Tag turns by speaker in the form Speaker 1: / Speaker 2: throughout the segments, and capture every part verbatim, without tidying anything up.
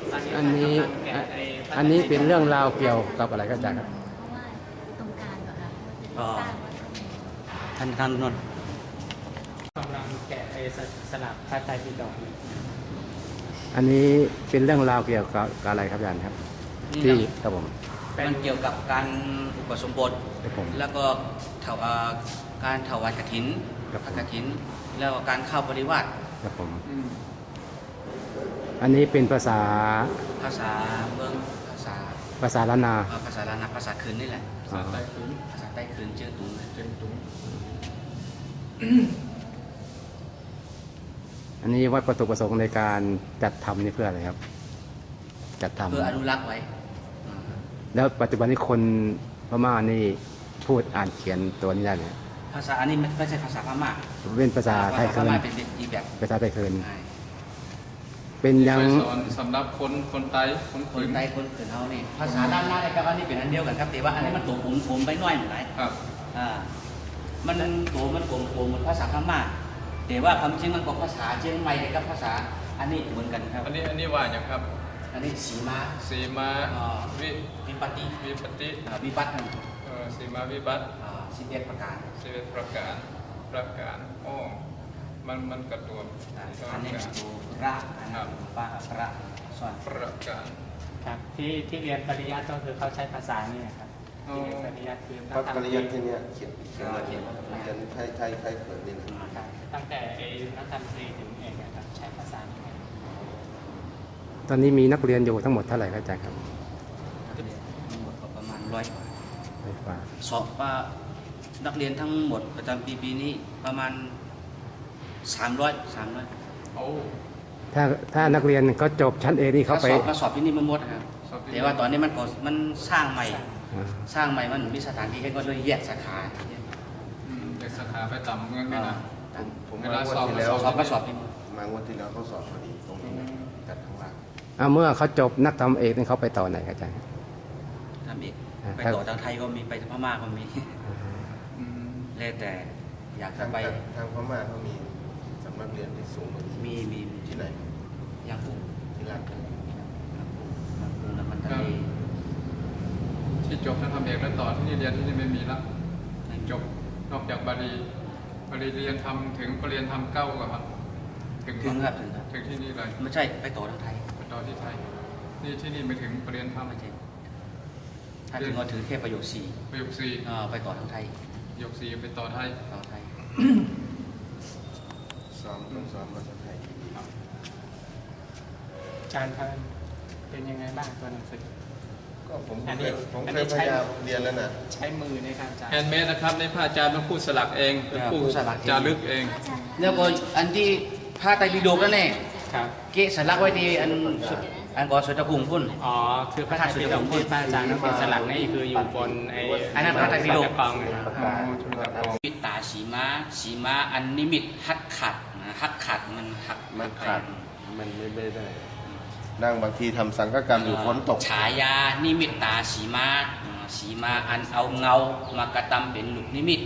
Speaker 1: อันนี้อันนี้เป็นเรื่องราวเกี่ยวกับอะไรก็อาจารย์ครับ
Speaker 2: ตรงกลางเหรอคะ
Speaker 3: ก็ท่านท่านนนท์
Speaker 4: กำลังแกะไอ้สลักพระไตรปิฎก
Speaker 1: อันนี้เป็นเรื่องราวเกี่ยวกับอะไรครับอาจารย์ครับที่ครับผม
Speaker 3: มันเกี่ยวกับการอุปสมบทแล้วก็ถวายการถวายกฐินพระกฐินแล้วการเข้าปริวาส
Speaker 1: ครับผมอันนี้เป็นภาษา
Speaker 3: ภาษาเมืองภาษา
Speaker 1: ภาษาล้านนา
Speaker 3: ภาษาล้านนาภาษาคืนนี่แหละภาษาใต้คืนภาษาใต้คืนเจือตุงเจือตุง
Speaker 1: อันนี้วัดวัตถุประสงค์ในการจัดทำนี่เพื่ออะไรครับจัดทำ
Speaker 3: เพื่ออนุรักษ์ไว้
Speaker 1: แล้วปัจจุบันนี้คนพม่านี่พูดอ่านเขียนตัวนี้ได้ไหม
Speaker 3: ภาษาอันนี้ไม่ใช่ภาษาพม่า
Speaker 1: เป็นภาษาไทยเคิน
Speaker 3: เป็นอีกแบบ
Speaker 1: ภาษาไทยเคินเป็นยัง
Speaker 4: สำหรับคนคนไทย
Speaker 3: คนคนไทยคนเขินเขานี่ภาษาด้านหน้าในกระบานี่เป็นอันเดียวกันครับแต่ว่าอันนี้มันตัวผมผมไปน้อยหน่อย
Speaker 4: ครับ
Speaker 3: อ่ามันตัวมันโกงโกงเหมือนภาษาพม่าแต่ว่าความจริงมันก็ภาษาเชียงใหม่กับภาษาอันนี้เหมือนกันครับ
Speaker 4: อันนี้อันนี้ว่าอย่างครับ
Speaker 3: อันนี้สีมา
Speaker 4: สีมาวิ
Speaker 3: วิปติ
Speaker 4: วิปติ
Speaker 3: วิปัตนั่น
Speaker 4: สีมาวิปัต
Speaker 3: สิบเอ็ดประการ
Speaker 4: สิบเอ็ดประการประการอ๋อมันมันกระตัว
Speaker 3: อันนี้ตัวระนะครับปะระส่วน
Speaker 4: ประการ
Speaker 5: ครับที่ที่เรียนปริยัติก็คือเขาใช้ภาษานี่ครับที่เรียนปริยัติคือ
Speaker 6: พระปริยัติที่นี่เขียนเขียนเขียนเขียนไทยไทยไทยเขินนี่
Speaker 5: นะครับตั้งแต่ไอ้นักธรรมตรีถึงเอกนะครับใช้ภาษานี้
Speaker 1: ตอนนี้มีนักเรียนอยู่ทั้งหมดเท่าไหร่ครับอาจารย์ครับ
Speaker 3: ทั้งหมดประมาณร้อยกว่า
Speaker 1: ร้อยกว่า
Speaker 3: สอบว่านักเรียนทั้งหมดประจำปีปีนี้ประมาณสามร้อยสามร้อย
Speaker 4: โอ้
Speaker 1: ถ้าถ้านักเรียนเขาจบชั้นเอนี่เขาไป
Speaker 3: สอบก็สอบที่นี่มันหมดครับแต่ว่าตอนนี้มันก็มันสร้างใหม่สร้างใหม่มันมีสถานที่ให้ก็เลยแยกสาขา
Speaker 4: แยกสาขาไปต่ำเงินไม่นะ
Speaker 6: ผมเวลาสอบแล้ว
Speaker 3: สอบก็สอบที่
Speaker 6: มางวันที่แล้วเขาสอบพอดีตรงนี้จัดข้างล่าง
Speaker 1: อ่าเมื่อเขาจบนักทำเอกนี่เขาไปต่อไหนครับอาจารย์
Speaker 3: ทำเอกไปต่อทางไทยก็มีไปพม่าก็มีแล้วแต่อยากจะไป
Speaker 6: ทางพม่าเขามีสำนักเรียนที่สูง
Speaker 3: มีมี
Speaker 6: ที่ไหน
Speaker 3: ยังปู
Speaker 6: ที่รัฐ
Speaker 3: ยังปูน้ำมันทะเล
Speaker 4: ที่จบนักทำเอกแล้วต่อที่นี่เรียนที่นี่ไม่มีละจบนอกจากบาลีบาลีเรียนทำถึงปรริญญาธรรมเก้าก่อนครับ
Speaker 3: ถึงถึงครับถึงครับ
Speaker 4: ถึงที่นี่เลย
Speaker 3: ไม่ใช่ไปต่อทางไทย
Speaker 4: ไปต่อที่ไทยนี่ที่นี่ไม่ถึงปรริญญาธรรม
Speaker 3: ไม่ใช่ถ้าถึงก็ถือแค่ประโยคสี่
Speaker 4: ประโยคสี่
Speaker 3: ไปต่อทางไทย
Speaker 4: ประโยคสี่ไปต่อไทย
Speaker 3: ต่อไทย
Speaker 6: สอนต้องสอนภาษาไทย
Speaker 5: อาจารย์ท่านเป็นยังไงบ้างตัวหนังสือ
Speaker 6: ก็ผมเคยผมเคยพยายามเรียนแล้วนะ
Speaker 5: ใช้มือในการจารย์
Speaker 4: แฮนด์เมดนะครับในพระอาจารย์มาพูดสลักเองเป็นผู้จารึกเอง
Speaker 3: แล้วก็อันที่พระไตรปิฎกนั่นเองเกะสลักไว้ที่อันอันก่อนสุดตะคุงพุ่น
Speaker 5: อ๋อคือพระไตรปิฎกที่พระอาจารย์นั่นเป็นสลักนี่คืออยู่บนไอ้
Speaker 3: อันนั้นพระไตรปิฎก
Speaker 5: กอง
Speaker 3: มิตตาสีม้าสีม้าอันนิมิตหักขัดหักขัดมันหัก
Speaker 6: มันขาดมันไม่ได้นั่งบางทีทำสังฆกรรมอยู่ฝนตก
Speaker 3: ฉายานิมิตตาสีม้าสีม้าอันเอาเงามากระทำเป็นลูกนิมิต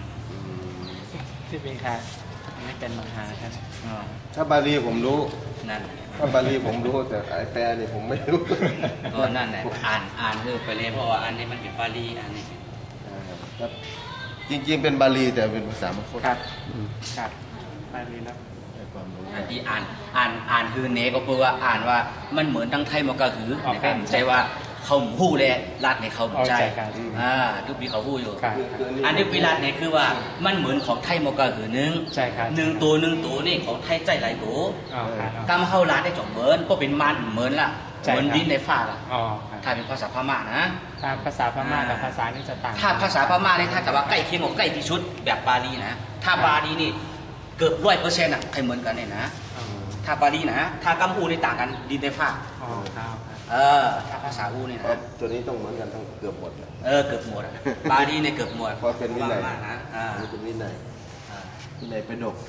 Speaker 5: ที่เป็นค่ะไม่เป็นมหาครับ
Speaker 6: ถ้าบาลีผมรู้
Speaker 3: นั่น
Speaker 6: ถ้าบาลีผมรู้แต่ไอแปลนี่ผมไม่รู้
Speaker 3: ก็นั่นแหละอ่านอ่านคือไปเลยเพราะว่าอันนี้มันเป็นบาลีอันนี้
Speaker 6: ครับจริงๆเป็นบาลีแต่เป็นภาษามคต
Speaker 5: ครับครับบาลีแล้ว
Speaker 3: อันที่อ่านอ่านอ่านคือเนก็เพราะว่าอ่านว่ามันเหมือนทั้งไทยมันก็คือนะครับใจว่าเขาหู้เลยรัดในเขาใจอ่าทุกปีเขาหู้อยู่อันนี้วิรัตเนี่ยคือว่ามันเหมือนของไทยมันก็คือหนึ่งหนึ่งตัวหนึ่งตัวนี่ของไทยใจหลายตัวกำเข้าร้านได้จบเหมือนก็เป็นมันเหมือนละเหมือนดินในฟ้าละถ้าเป็นภาษาพม่านะ
Speaker 5: ถ้าภาษาพม่ากับภาษานี่จะต่าง
Speaker 3: ถ้าภาษาพม่าเนี่ยถ้าแต่ว่าใกล้เคียงกับใกล้ที่สุดแบบบาลีนะถ้าบาลีนี่เกือบร้อยเปอร์เซ็นต์อ่ะใครเหมือนกันเนี่ยนะถ้าบาลีนะถ้ากัมพูนี่ต่างกันดินในฟ้าเออถ้าภาษาอูเนี่ยนะ
Speaker 6: ตัวนี้ต้องเหมือนกันทั้งเกือบหมด
Speaker 3: เออเกือบหมดบาลีเนี่ยเกือบหมด
Speaker 6: เพราะเป็นวินัย
Speaker 3: นะอ่า
Speaker 6: เป็นวินัยวินัยเป็นดก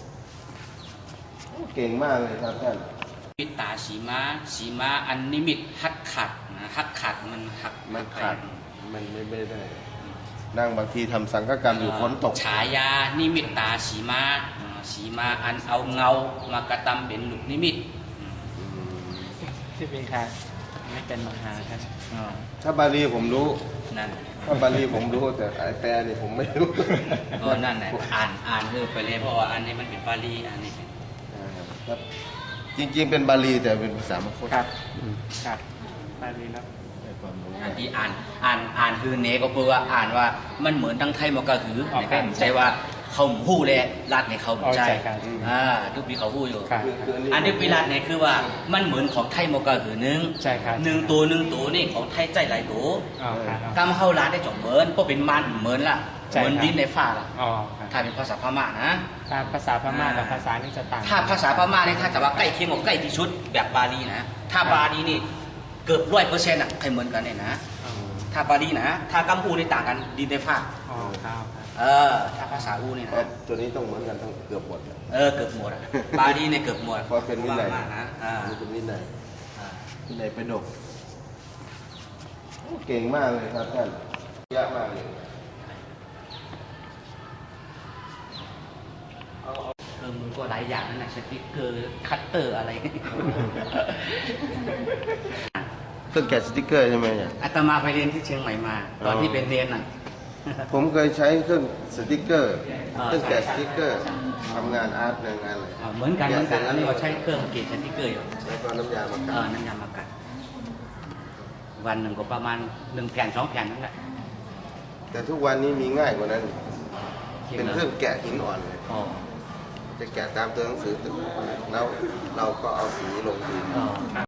Speaker 6: เก่งมากเลยครับท่าน
Speaker 3: มิตตาสีม้าสีม้าอันนิมิตหักขัดนะหักขัดมันหัก
Speaker 6: มันขาดมันไม่ได้นั่งบางทีทำสังฆกรรมอยู่ฝนตก
Speaker 3: ฉายานิมิตตาสีม้าสีม้าอันเอาเงามากระทำเป็นลูกนิมิต
Speaker 5: ที่ชื่อปีครับไม่เป็นมหาครับ
Speaker 3: อ๋อ
Speaker 6: ถ้าบาลีผมรู้
Speaker 3: นั่น
Speaker 6: ถ้าบาลีผมรู้แต่ไอแปลนี่ผมไม่รู้
Speaker 3: ก็นั่นแหละอ่านอ่านคือไปเลยเพราะว่าอันนี้มันเป็นบาลีอันนี้เป็น
Speaker 6: ครับจริงๆเป็นบาลีแต่เป็นภาษามคต
Speaker 5: ครับครับบาลีแล้ว
Speaker 6: ได้ความรู้
Speaker 3: อันที่อ่านอ่านอ่านคือเนก็แปลว่าอ่านว่ามันเหมือนทั้งไทยมันก็คือนะครับใจว่าเขาหู้เลยรัดในเขาใจอ่าทุกปีเขาหู้อยู่
Speaker 5: ครับ
Speaker 3: อันนี้ปีรัดเนี่ยคือว่ามันเหมือนของไทยมันก็คือหนึ่ง
Speaker 5: ใช่ครับ
Speaker 3: หนึ่งตัวหนึ่งตัวนี่ของไทยใจหลายตัว
Speaker 5: อ๋อครับ
Speaker 3: กำเข้าร้านได้จบเหมือนก็เป็นมันเหมือนล่ะ
Speaker 5: ใช่
Speaker 3: เหมือน
Speaker 5: ครับ
Speaker 3: ดินในฟ้าล่ะ
Speaker 5: อ๋อครับ
Speaker 3: ถ้าเป็นภาษาพม่านะ
Speaker 5: ถ้าภาษาพม่ากับภาษานี่จะต่าง
Speaker 3: ถ้าภาษาพม่าเนี่ยถ้าแต่ว่าใกล้เคียงกับใกล้ที่สุดแบบบาลีนะ ถ้าบาลีนี่เกือบร้อยเปอร์เซ็นต์อ่ะใครเหมือนกันเนี่ยนะ
Speaker 5: อ๋อ
Speaker 3: ถ้าบาลีนะ ถ้ากัมพูนี่ต่างกันดินในฟ้า
Speaker 5: อ๋อครับ
Speaker 3: เออ ถ้าภาษาอูนี่
Speaker 6: เพราะ
Speaker 3: นะ
Speaker 6: ตัวนี้ต้องเหมือนกันทั้งเกือบหมดอะ
Speaker 3: เออ เกือบหมดอ่ะ บาลีเนี่ยเกือบหมด
Speaker 6: เพราะเป็นวินัย
Speaker 3: พม่านะอ่า
Speaker 6: นี่เป็นวินัย
Speaker 3: อ่า
Speaker 6: วินัยเป็นดกโอ้เก่งมากเลยครับท่านยากมากเลย
Speaker 3: เออมันก็หลายอย่างนั่นแหละสติ๊กเกอร์ คัตเตอร์อะไร
Speaker 6: เครื่องแกะสติ๊กเกอร์ใช่ไหมเนี่ย
Speaker 3: อาตมาไปเรียนที่เชียงใหม่มา ตอนที่เป็นเรียนน่ะ
Speaker 6: ผมเคยใช้เครื่องสติ๊กเกอร์
Speaker 3: อ่า
Speaker 6: เครื่องแกะสติ๊กเกอร์ทำงานอาร์ตในงานอะไร
Speaker 3: อ่าเหมือนกันเหมือนกันอันนี้เราใช้เครื่องเกจสติ๊กเกอร์อยู่
Speaker 6: แล้วก็น้ำยามา
Speaker 3: เอ
Speaker 6: กั
Speaker 3: อ
Speaker 6: ด
Speaker 3: น้ำยามากัด วันหนึ่งก็ประมาณหนึ่งแผ่นสองแผ่นนั่นแหละ
Speaker 6: แต่ทุกวันนี้มีง่ายกว่านั้น
Speaker 3: จริง
Speaker 6: เป็น
Speaker 3: เหรอ
Speaker 6: เครื่องแกะหินอ่อนเลย
Speaker 3: อ๋อ
Speaker 6: จะแกะตามตัวหนังสือแล้วเราก็เอาสีลงดิน
Speaker 3: อ๋อ